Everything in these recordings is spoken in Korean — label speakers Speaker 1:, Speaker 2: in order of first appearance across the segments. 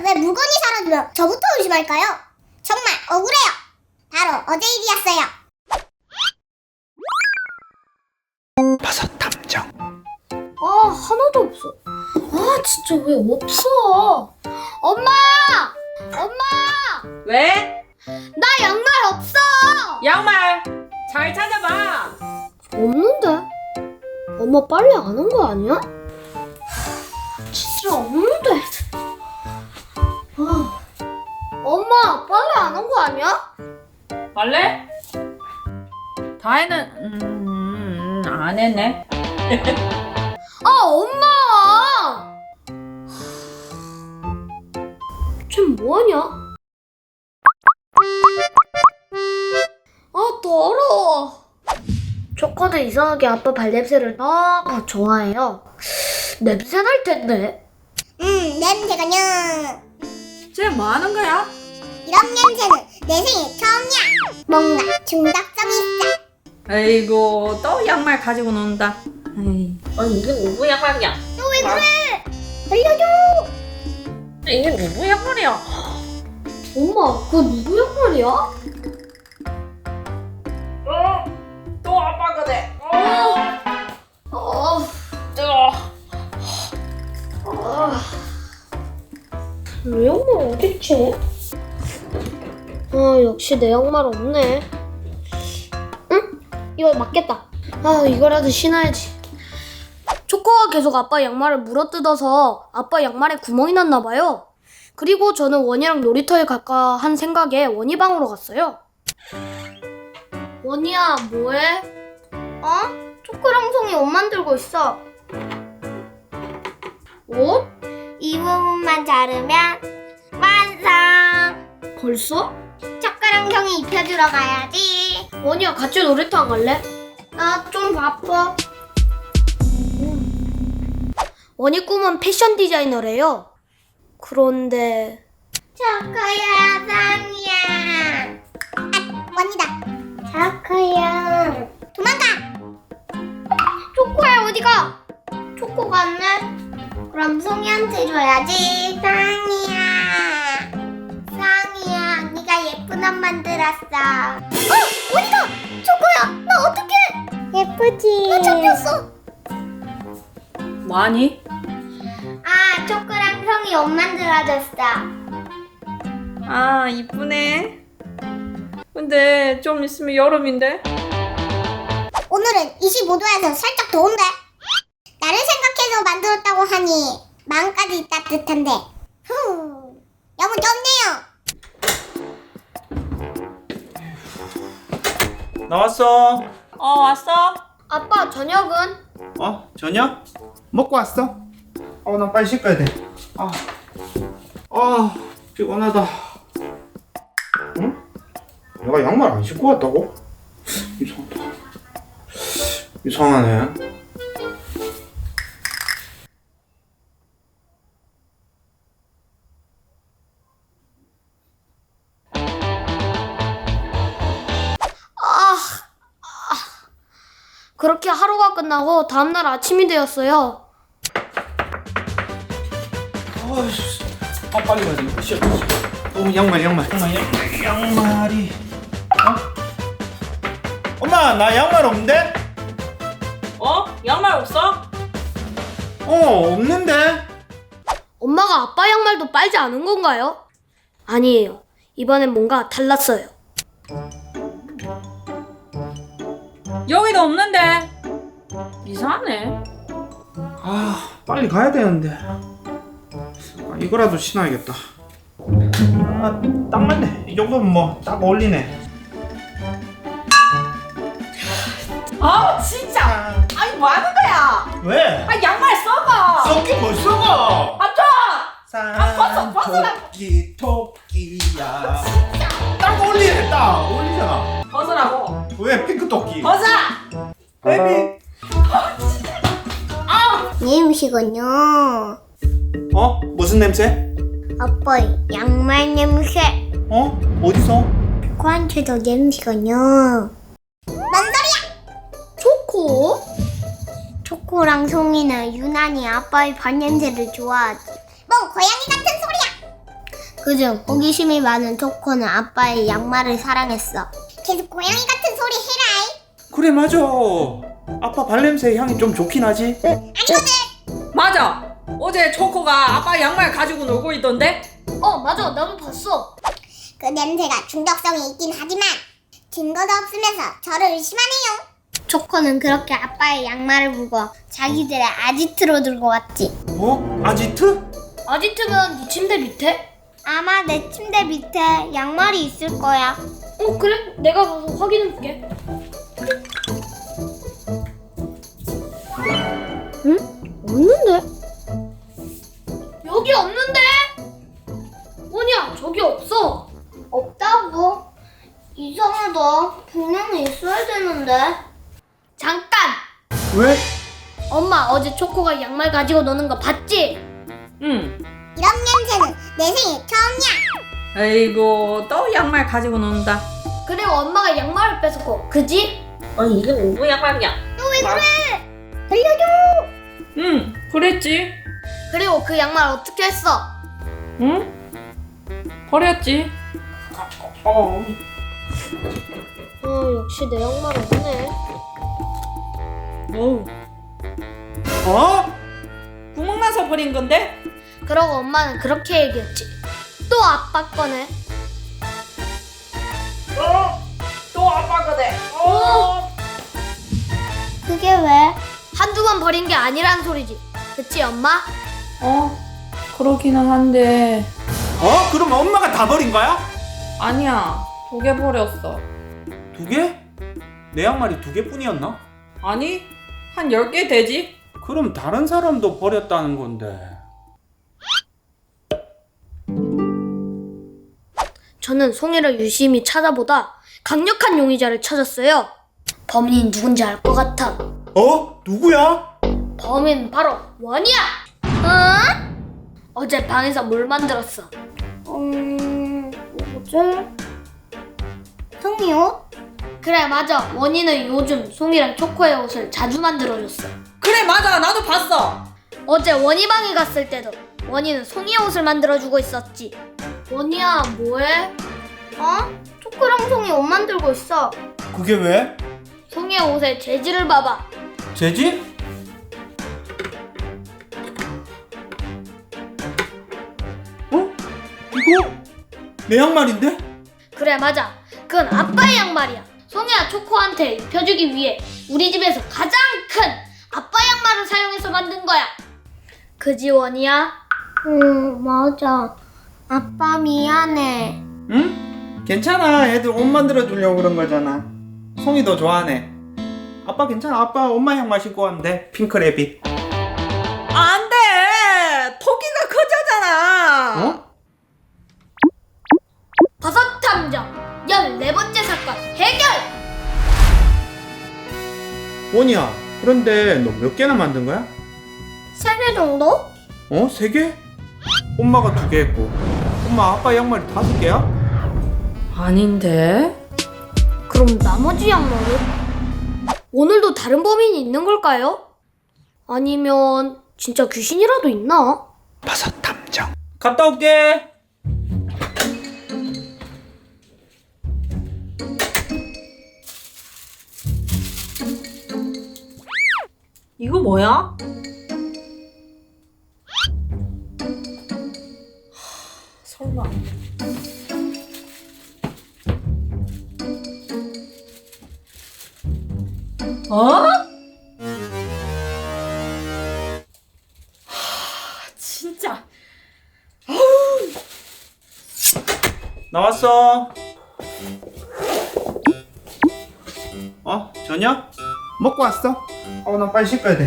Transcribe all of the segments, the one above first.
Speaker 1: 왜 물건이 사라지면 저부터 의심할까요? 정말 억울해요. 바로 어제 일이었어요.
Speaker 2: 버섯 탐정.
Speaker 3: 하나도 없어. 진짜 왜 없어? 엄마!
Speaker 4: 왜?
Speaker 3: 나 양말 없어!
Speaker 4: 양말 잘 찾아봐.
Speaker 3: 없는데? 엄마 빨래 안 한 거 아니야? 진짜 없는데. 엄마 빨래 안 한 거 아니야?
Speaker 4: 빨래? 다혜는 안 했네.
Speaker 3: 엄마! 쟤 뭐하냐? 더러워. 초코도 이상하게 아빠 발냄새를 너무 좋아해요. 냄새 날 텐데.
Speaker 1: 냄새가요.
Speaker 4: 쟤 뭐 하는 거야?
Speaker 1: 이런 냄새는 내 생애 처음이야. 뭔가 중독성이 있어.
Speaker 4: 아이고 또 양말 가지고 논다. 아니 이게 누구 양말이야?
Speaker 1: 너 왜 그래? 알려줘.
Speaker 4: 이게 누구 양말이야?
Speaker 3: 엄마, 그거 누구 양말이야?
Speaker 4: 또 아빠 거네.
Speaker 3: 내 양말 어딨지? 역시 내 양말 없네. 응? 이거 맞겠다. 이거라도 신어야지. 초코가 계속 아빠 양말을 물어뜯어서 아빠 양말에 구멍이 났나봐요. 그리고 저는 원이랑 놀이터에 갈까 한 생각에 원이 방으로 갔어요. 원이야, 뭐해? 초코랑 송이 옷 만들고 있어. 옷?
Speaker 1: 이 부분만 자르면 완성.
Speaker 3: 벌써?
Speaker 1: 초코랑 송이 입혀주러 가야지.
Speaker 3: 원이야, 같이 놀이터 안 갈래? 나 좀 바빠. 원이 꿈은 패션 디자이너래요. 그런데
Speaker 1: 초코야, 상이야. 원이다. 초코야. 도망가.
Speaker 3: 초코야 어디가? 초코 갔네?
Speaker 1: 그럼 송이한테 줘야지. 상이야. 상이야, 네가 예쁜 옷 만들었어. 어디가? 초코야, 나 어떡해? 예쁘지? 잡혔어.
Speaker 4: 뭐하니?
Speaker 1: 초코랑 성이 옷 만들어줬어.
Speaker 4: 이쁘네. 근데 좀 있으면 여름인데?
Speaker 1: 오늘은 25도여서 살짝 더운데? 나를 생각해서 만들었다고 하니 마음까지 따뜻한데. 너무 덥네요.
Speaker 2: 나왔어.
Speaker 4: 왔어?
Speaker 3: 아빠 저녁은?
Speaker 2: 저녁? 먹고 왔어? 나 빨리 씻어야 돼. 피곤하다. 응? 내가 양말 안 신고 왔다고? 이상하네.
Speaker 3: 그렇게 하루가 끝나고 다음날 아침이 되었어요.
Speaker 2: 빨리 가야 돼. 쉬어. 양말이. 엄마, 나 양말 없는데?
Speaker 4: 양말 없어?
Speaker 2: 없는데?
Speaker 3: 엄마가 아빠 양말도 빨지 않은 건가요? 아니에요. 이번엔 뭔가 달랐어요.
Speaker 4: 여기도 없는데. 이상하네.
Speaker 2: 빨리 가야 되는데. 이거라도 신어야겠다. 딱 맞네. 이 정도면 뭐 딱 어울리네.
Speaker 4: 진짜. 아니 뭐 하는 거야?
Speaker 2: 왜?
Speaker 4: 양말 써봐.
Speaker 2: 썩긴 뭘 썩어?
Speaker 4: 벗어.
Speaker 2: 토끼야. 딱 어울리네. 딱 어울리잖아.
Speaker 4: 벗으라고.
Speaker 2: 왜 핑크 토끼?
Speaker 4: 벗어.
Speaker 2: 베이비.
Speaker 1: 이 음식은요,
Speaker 2: 무슨 냄새?
Speaker 1: 아빠 양말 냄새.
Speaker 2: 어디서?
Speaker 1: 코한테도 냄새가요. 뭔 소리야?
Speaker 3: 초코?
Speaker 1: 초코랑 송이는 유난히 아빠의 발냄새를 좋아하지. 뭔 고양이 같은 소리야. 그중 호기심이 많은 초코는 아빠의 양말을 사랑했어. 계속 고양이 같은 소리 해라이.
Speaker 2: 그래 맞아. 아빠 발냄새 향이 좀 좋긴 하지.
Speaker 1: 아니거든.
Speaker 4: 맞아. 어제 초코가 아빠 양말 가지고 놀고 있던데?
Speaker 3: 맞아. 나도 봤어.
Speaker 1: 그 냄새가 중독성이 있긴 하지만 증거도 없으면서 저를 의심하네요. 초코는 그렇게 아빠의 양말을 보고 자기들의 아지트로 들고 왔지.
Speaker 2: 어? 아지트?
Speaker 3: 아지트면 네 침대 밑에?
Speaker 1: 아마 내 침대 밑에 양말이 있을 거야.
Speaker 3: 그래? 내가 가서 확인해볼게. 응? 없는데? 여기 없는데? 원이야, 저기 없어.
Speaker 1: 없다고? 이상하다. 분명히 있어야 되는데.
Speaker 3: 잠깐!
Speaker 2: 왜?
Speaker 3: 엄마 어제 초코가 양말 가지고 노는 거 봤지?
Speaker 4: 응.
Speaker 1: 이런 냄새는 내 생애 처음이야.
Speaker 4: 아이고 또 양말 가지고 논다.
Speaker 3: 그리고 엄마가 양말을 뺏었고, 그지?
Speaker 4: 아니 이게 누구 양말이야?
Speaker 1: 너 왜 그래? 들려줘.
Speaker 4: 응 그랬지.
Speaker 3: 그리고 그 양말 어떻게 했어?
Speaker 4: 응? 버렸지.
Speaker 3: 역시 내 양말 없네.
Speaker 4: 어우
Speaker 2: 어?
Speaker 4: 구멍 나서 버린 건데?
Speaker 3: 그러고 엄마는 그렇게 얘기했지. 또 아빠 거네.
Speaker 4: 또 아빠 거네.
Speaker 1: 그게 왜?
Speaker 3: 한두 번 버린 게 아니란 소리지. 그치 엄마?
Speaker 4: 그러기는 한데
Speaker 2: 어? 그럼 엄마가 다 버린 거야?
Speaker 4: 아니야 2개 버렸어.
Speaker 2: 2개? 내 양말이 2개뿐이었나?
Speaker 4: 아니 한 10개 되지?
Speaker 2: 그럼 다른 사람도 버렸다는 건데.
Speaker 3: 저는 송이를 유심히 찾아보다 강력한 용의자를 찾았어요. 범인이 누군지 알 것 같아.
Speaker 2: 어? 누구야?
Speaker 3: 범인은 바로 원이야. 어제 방에서 뭘 만들었어?
Speaker 1: 뭐지? 송이 옷?
Speaker 3: 그래 맞아. 원이는 요즘 송이랑 초코의 옷을 자주 만들어줬어.
Speaker 4: 그래 맞아 나도 봤어.
Speaker 3: 어제 원이 방에 갔을 때도 원이는 송이의 옷을 만들어주고 있었지. 원이야 뭐해?
Speaker 1: 초코랑 송이 옷 만들고 있어.
Speaker 2: 그게 왜?
Speaker 3: 송이의 옷의 재질을 봐봐.
Speaker 2: 재질? 어? 이거? 내 양말인데?
Speaker 3: 그래 맞아. 그건 아빠의 양말이야. 송이야 초코한테 입혀주기 위해 우리 집에서 가장 큰 아빠 양말을 사용해서 만든 거야. 그지 원이야?
Speaker 1: 맞아. 아빠 미안해.
Speaker 2: 응? 괜찮아. 애들 옷 만들어 주려고 그런 거잖아. 송이 너 좋아하네. 아빠 괜찮아. 아빠 엄마 양말 신고 가면 돼. 핑크래빗.
Speaker 4: 안돼 토끼가 커져잖아.
Speaker 2: 어?
Speaker 3: 버섯 탐정 14번째 사건 해결!
Speaker 2: 원이야. 그런데 너 몇 개나 만든 거야?
Speaker 1: 3개 정도?
Speaker 2: 어? 3개? 엄마가 2개 했고 엄마 아빠 양말이 5개야?
Speaker 4: 아닌데?
Speaker 3: 그럼 나머지 양말은? 오늘도 다른 범인이 있는 걸까요? 아니면 진짜 귀신이라도 있나?
Speaker 2: 버섯 탐정. 갔다 올게.
Speaker 4: 이거 뭐야? 설마 어? 진짜
Speaker 2: 나왔어. 저녁? 먹고 왔어? 나 빨리 씻어야 돼.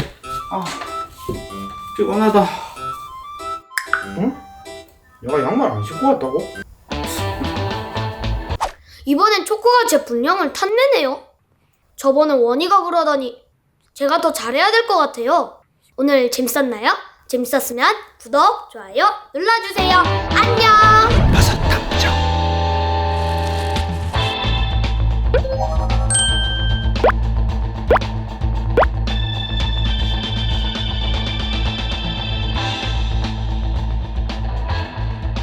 Speaker 2: 피곤하다. 응? 얘가 양말 안 신고 왔다고?
Speaker 3: 이번엔 초코가 제 분량을 탐내네요. 저번에 원이가 그러더니 제가 더 잘해야 될 것 같아요. 오늘 재밌었나요? 재밌었으면 구독, 좋아요 눌러주세요. 안녕!